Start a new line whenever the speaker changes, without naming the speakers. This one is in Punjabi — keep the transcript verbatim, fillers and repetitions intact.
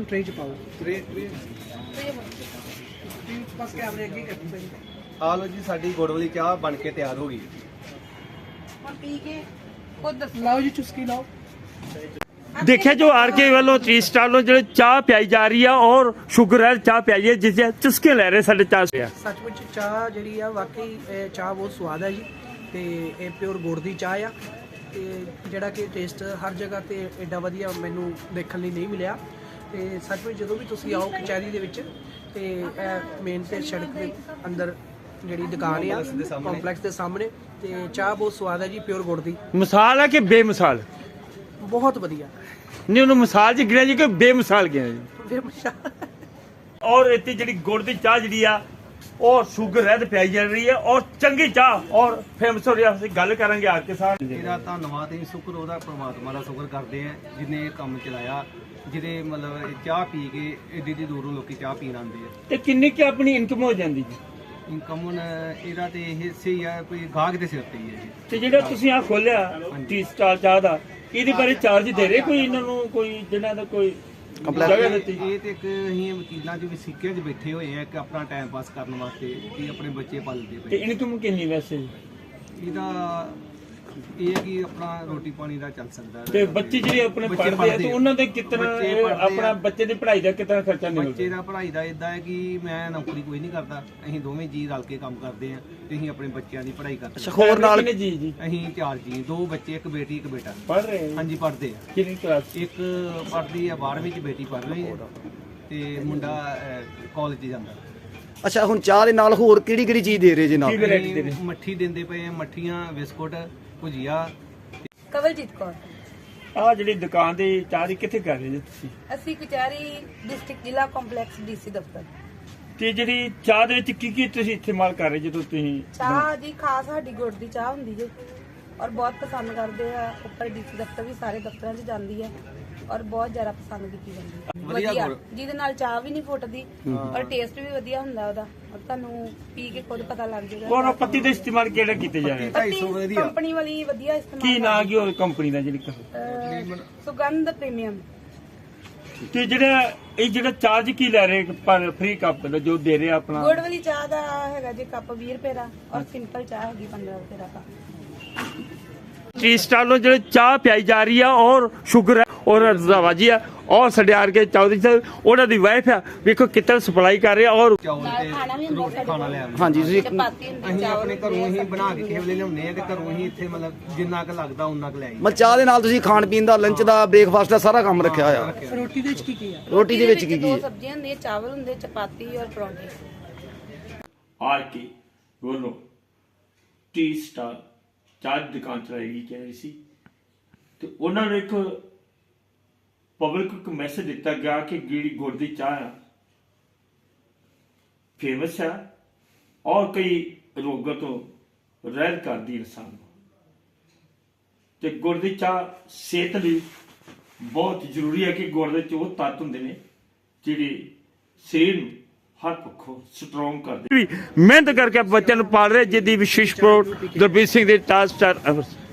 ट्रे च पाओ ट्रे ट्रे बस कैमरे अगे करनी पैंदी
ਆ ਲੋ ਜੀ ਸਾਡੀ ਗੁੜ ਵਾਲੀ ਚਾਹ ਬਣ ਕੇ ਤਿਆਰ ਹੋ ਗਈ।
ਹੁਣ ਪੀ ਕੇ ਖੁਦ ਦੱਸੋ।
लाओ जी चुस्की लाओ।
देखिए जो आर के वालों थ्री स्टार लो जो चाह पियाई जा रही है और शुगर है चाह पियाई है जिसे चुस्के ले रहे साढ़े चाह से
सचमुच चाह ਜਿਹੜੀ ਆ ਵਾਕਈ ਇਹ ਚਾਹ ਬਹੁਤ ਸਵਾਦ ਹੈ ਜੀ ਤੇ ਇਹ ਪਿਓਰ ਗੁੜ ਦੀ ਚਾਹ ਆ ਤੇ ਜਿਹੜਾ ਕਿ ਟੇਸਟ ਹਰ ਜਗ੍ਹਾ ਤੇ ਐਡਾ ਵਧੀਆ ਮੈਨੂੰ ਦੇਖਣ ਲਈ ਨਹੀਂ ਮਿਲਿਆ ਤੇ ਸਚਮੁਚ ਜਦੋਂ ਵੀ ਤੁਸੀਂ ਆਓ ਕਚਹਿਰੀ ਦੇ ਵਿੱਚ ਤੇ ਇਹ ਮੇਨ ਤੇ ਸੜਕ ਦੇ ਅੰਦਰ ਜਿਹੜੀ ਦੁਕਾਨ ਆ ਕੰਪਲੈਕਸ ਦੇ ਸਾਹਮਣੇ ਤੇ ਚਾਹ ਬਹੁਤ ਸਵਾਦ ਹੈ ਜੀ ਪਿਓਰ ਗੁੜ ਦੀ।
मिसाल है कि बेमिसाल
ਬਹੁਤ ਵਧੀਆ
नहीं उन्होंने मिसाल जी गिना जी कि बेमिसाल गिना जी
ਬੇਮਿਸਾਲ।
और इतनी जी गुड़ की चाह जी और शुगर है पियाई जा रही है और चंगी चाह और फेमस हो रही है। ਅਸੀਂ ਗੱਲ ਕਰਾਂਗੇ ਆਰ ਕੇ ਸਾਹਿਬ
ਇਹਦਾ ਧੰਨਵਾਦ ਹੈ ਸ਼ੁਕਰ ਉਹਦਾ ਪ੍ਰਮਾਤਮਾ ਦਾ ਸ਼ੁਕਰ ਕਰਦੇ ਆ ਜਿਹਨੇ ਇਹ ਕੰਮ ਚਲਾਇਆ ਜਿਹਦੇ ਮਤਲਬ ਇਹ ਚਾਹ ਪੀ ਕੇ ਏਡੀ ਏਡੀ ਦੂਰੋਂ ਲੋਕੀ ਚਾਹ ਪੀਣ ਆਉਂਦੇ ਆ
ਤੇ ਕਿੰਨੀ ਕਿ ਆਪਣੀ ਇਨਕਮ ਹੋ ਜਾਂਦੀ ਜੀ
ਇਨਕਮ ਹੁਣ ਇਹਦਾ ਤੇ ਇਹ ਸਹੀ ਆ ਕੋਈ ਗਾਹਕ ਦੇ ਸਿਰ ਤੇ ਹੀ ਹੈ ਜੀ।
ਤੇ ਜਿਹੜਾ ਤੁਸੀਂ ਆ ਖੋਲਿਆ ਟੀ ਸਟਾਲ ਚਾਹ ਦਾ ਇਹਦੇ ਬਾਰੇ ਚਾਰਜ ਦੇ ਰਹੇ ਕੋਈ ਇਹਨਾਂ ਨੂੰ ਕੋਈ ਜਿਹਨਾਂ ਦਾ ਕੋਈ ਜਗ੍ਹਾ ਦਿੱਤੀ
ਇਹ ਤੇ ਇੱਕ ਅਸੀਂ ਵਕੀਲਾਂ 'ਚ ਵੀ ਸਿੱਕਿਆਂ 'ਚ ਬੈਠੇ ਹੋਏ ਆ ਕਿ ਆਪਣਾ ਟਾਈਮ ਪਾਸ ਕਰਨ ਵਾਸਤੇ ਕਿ ਆਪਣੇ ਬੱਚੇ ਪਾਲਦੇ
ਤੇ
ਪਏ।
ਇਨਕਮ ਕਿੰਨੀ ਵੈਸੇ
ਇਹਦਾ ਇਹ ਹੈ ਕਿ ਆਪਣਾ ਰੋਟੀ ਪਾਣੀ ਦਾ ਚੱਲ ਸਕਦਾ ਹੈ।
ਤੇ ਬੱਚੇ ਜਿਹੜੇ ਆਪਣੇ
ਬੱਚੇ
ਪੜ੍ਹਦੇ ਆ
ਪੜ੍ਹਦੇ
ਤੇ
ਆ।
ਉਹਨਾਂ ਦੇ ਕਿਤਨਾ
ਬੱਚੇ
ਇਹ
ਪੜ੍ਹਦੇ
ਆਪਣਾ
ਆ।
ਬੱਚੇ ਦੀ ਪੜ੍ਹਾਈ ਦਾ ਕਿਤਨਾ ਖਰਚਾ
ਬੱਚੇ
ਨਿਕਲਦਾ
ਦਾ ਪੜ੍ਹਾਈ ਦਾ ਇਦਾਂ ਹੈ ਕਿ ਮੈਂ ਨੌਕਰੀ ਕੋਈ ਨਹੀਂ ਕਰਦਾ ਅਸੀਂ ਦੋਵੇਂ ਜੀ ਰਲ ਕੇ ਕੰਮ ਕਰਦੇ ਆ ਤੇ ਅਸੀਂ ਆਪਣੇ ਬੱਚਿਆਂ ਦੀ ਪੜ੍ਹਾਈ ਕਰਦੇ ਹਾਂ।
ਹੋਰ ਨਾਲ ਜੀ ਜੀ
ਅਸੀਂ ਚਾਰ ਜੀ ਦੋ ਬੱਚੇ ਇੱਕ ਬੇਟੀ ਇੱਕ ਬੇਟਾ
ਪੜ੍ਹ ਰਹੇ ਆ
ਹਾਂਜੀ ਪੜ੍ਹਦੇ ਆ।
ਕਿੰਨੀ ਕਲਾਸ
ਇੱਕ ਪੜ੍ਹਦੀ ਆ ਬਾਰ੍ਹਵੀਂ ਚ ਬੇਟੀ ਪੜ੍ਹ ਰਹੀ ਹੈ ਤੇ ਮੁੰਡਾ ਕਾਲਜ 'ਚ ਜਾਂਦਾ।
ਅੱਛਾ ਹੁਣ ਚਾਹ ਦੇ ਨਾਲ ਹੋਰ ਕਿਹੜੀ ਕਿਹੜੀ ਚੀਜ਼ ਦੇ ਰਹੇ ਜੀ ਨਾਲ?
ਕੀ variety ਦੇ ਰਹੇ?
ਅਸੀਂ ਮੱਠੀ ਦਿੰਦੇ ਪਏ ਆ ਮੱਠੀਆਂ ਬਿਸਕੁਟ ਭੁਜੀਆ।
ਕਵਲਜੀਤ ਕੌਰ
ਆ ਜਿਹੜੀ ਦੁਕਾਨ ਦੀ ਚਾਹ ਦੀ ਕਿੱਥੇ ਕਰ ਰਹੇ ਜੀ ਤੁਸੀਂ
ਅਸੀਂ ਕਚਹਿਰੀ ਡਿਸਟ੍ਰਿਕਟ ਜ਼ਿਲ੍ਹਾ ਕੰਪਲੈਕਸ ਡੀਸੀ ਦਫ਼ਤਰ।
ਤੇ ਜਿਹੜੀ ਚਾਹ ਦੇ ਵਿੱਚ ਕੀ ਕੀ ਤੁਸੀਂ ਇਸਤੇਮਾਲ ਕਰ ਰਹੇ ਜਦੋਂ ਤੁਸੀਂ
ਚਾਹ ਜੀ ਖਾਸ ਸਾਡੀ ਗੁੜ ਦੀ ਚਾਹ ਹੁੰਦੀ ਜੇ ਔਰ ਬਹੁਤ ਪਸੰਦ ਕਰਦੇ ਆ। ਉੱਪਰ ਡੀਸੀ ਦਫ਼ਤਰ ਵੀ ਸਾਰੇ ਦਫ਼ਤਰਾਂ 'ਚ ਜਾਂਦੀ ਹੈ ਔਰ ਬਹੁਤ ਜ਼ਿਆਦਾ ਪਸੰਦ ਕੀਤੀ ਜਾਂਦੀ ਹੈ।
ਵਧੀਆ
ਵਧੀਆ
ਗੁੜ।
ਜਿਹਦੇ ਨਾਲ ਚਾਹ ਵੀ ਨਹੀਂ ਫੁੱਟਦੀ ਔਰ ਟੇਸਟ ਵੀ ਵਧੀਆ ਹੁੰਦਾ ਉਹਦਾ ਔਰ ਤੁਹਾਨੂੰ ਪੀ ਕੇ ਖੁਦ ਪਤਾ ਲੱਗ ਜਾਏਗਾ।
ਕੋਨ ਪੱਤੀ ਦਾ ਇਸਤੇਮਾਲ ਕਿਹੜਾ ਕੀਤੇ ਜਾ ਰਿਹਾ
ਢਾਈ ਸੌ ਵਧੀਆ।
ਕੰਪਨੀ ਵਾਲੀ ਵਧੀਆ ਇਸਤੇਮਾਲ
ਕੀ ਨਾਂ ਕੀ ਹੋਰ ਕੰਪਨੀ ਦਾ ਜਿਹੜੀ
ਅਹ, ਸੁਗੰਧ ਪ੍ਰੀਮੀਅਮ।
ਤੇ ਜਿਹੜਾ ਇਹ ਜਿਹੜਾ ਚਾਰਜ ਕੀ ਲੈ ਰਹੇ ਪਰ ਫ੍ਰੀ ਕੱਪ ਦਾ ਜੋ ਦੇ ਰਹੇ ਆਪਣਾ
ਗੁੜ ਵਾਲੀ ਚਾਹ ਦਾ ਹੈਗਾ ਜੇ ਕੱਪ ਵੀਹ ਰੁਪਏ ਦਾ ਔਰ ਸਿੰਪਲ ਚਾਹ ਹੈਗੀ ਪੰਦਰਾਂ ਰੁਪਏ ਦਾ ਕੱਪ।
ਟੀ ਸਟਾਲ ਨੂੰ ਜਿਹੜੇ ਚਾਹ ਪਿਆਈ ਜਾ ਰਹੀ ਆ ਔਰ ਸ਼ੂਗਰ ਹੈ ਔਰ ਰਜ਼ਾਵਾਜੀ ਆ ਔਰ ਸਾਡੇ ਆਰ ਕੇ ਚੌਧਰੀ ਸਾਹਿਬ ਉਹਨਾਂ ਦੀ ਵਾਈਫ ਆ ਵੇਖੋ ਕਿੱਦਾਂ ਸਪਲਾਈ ਕਰ ਰਹੇ ਆ ਔਰ
ਚੌਲ
ਨਾਲ ਖਾਣਾ ਵੀ
ਤੇ
ਹੁੰਦਾ
ਰੋਟੀ
ਸਾਡੇ
ਖਾਣਾ
ਕੋਲ।
ਲੈ ਆਉਂਦੇ।
ਹਾਂਜੀ ਤੁਸੀਂ
ਚਪਾਤੀ ਹੁੰਦੀ
ਅਸੀਂ
ਚਾਵਲ
ਆਪਣੇ ਘਰੋਂ ਹੀ ਬਣਾ ਕੇ ਕਿਸੇ ਵੇਲੇ ਲਿਆਉਂਦੇ ਆ ਤੇ ਘਰੋਂ ਹੀ ਇੱਥੇ ਮਤਲਬ ਜਿੰਨਾ ਕੁ ਲੱਗਦਾ ਉਨਾ ਕੁ ਲੈ ਆਈ।
ਮਤਲਬ ਚਾਹ ਦੇ ਨਾਲ ਤੁਸੀਂ ਖਾਣ ਪੀਣ ਦਾ ਲੰਚ ਦਾ ਬ੍ਰੇਕਫਾਸਟ ਦਾ ਸਾਰਾ ਕੰਮ ਰੱਖਿਆ ਹੋਇਆ।
ਰੋਟੀ ਦੇ ਵਿੱਚ ਕੀ ਕੀ ਆ?
ਰੋਟੀ ਦੇ ਵਿੱਚ ਕੀ ਕੀ
ਦੋ
ਹੈ?
ਸਬਜ਼ੀਆਂ ਹੁੰਦੀਆਂ ਚਾਵਲ ਹੁੰਦੇ ਚਪਾਤੀ ਔਰ ਪਰੌਂਠੇ।
ਆਰ ਕੇ ਵੱਲੋਂ ਟੀ ਸਟਾਰ ਚਾਹ ਦੀ ਦੁਕਾਨ ਚਲਾਈ ਕਹਿ ਰਹੀ ਸੀ ਤੇ ਉਹਨਾਂ ਨੇ ਇੱਕ ਪਬਲਿਕ ਨੂੰ ਮੈਸੇਜ ਦਿੱਤਾ ਗਿਆ ਕਿ ਜਿਹੜੀ ਗੁੜ ਦੀ ਚਾਹ ਆ ਫੇਮਸ ਆ ਔਰ ਕਈ ਰੋਗਾਂ ਤੋਂ ਰਹਿਤ ਕਰਦੀ ਇਨਸਾਨ ਨੂੰ ਤੇ ਗੁੜ ਦੀ ਚਾਹ ਸਿਹਤ ਲਈ ਬਹੁਤ ਜ਼ਰੂਰੀ ਹੈ ਕਿ ਗੁੜ ਦੇ ਵਿੱਚ ਉਹ ਤੱਤ ਹੁੰਦੇ ਨੇ ਜਿਹੜੇ ਸਰੀਰ ਨੂੰ ਹਰ ਪੱਖੋਂ ਸਟਰੋਂਗ ਕਰਦੇ ਮਿਹਨਤ ਕਰਕੇ ਬੱਚਿਆਂ ਨੂੰ ਪਾਲ ਰਹੇ ਜਿੱਦੀ ਵਿਸ਼ੇਸ਼ ਪ੍ਰੋਟ ਗੁਰਬੀਰ ਸਿੰਘ ਦੇ ਟਾਸਕ ਸਟਾਰ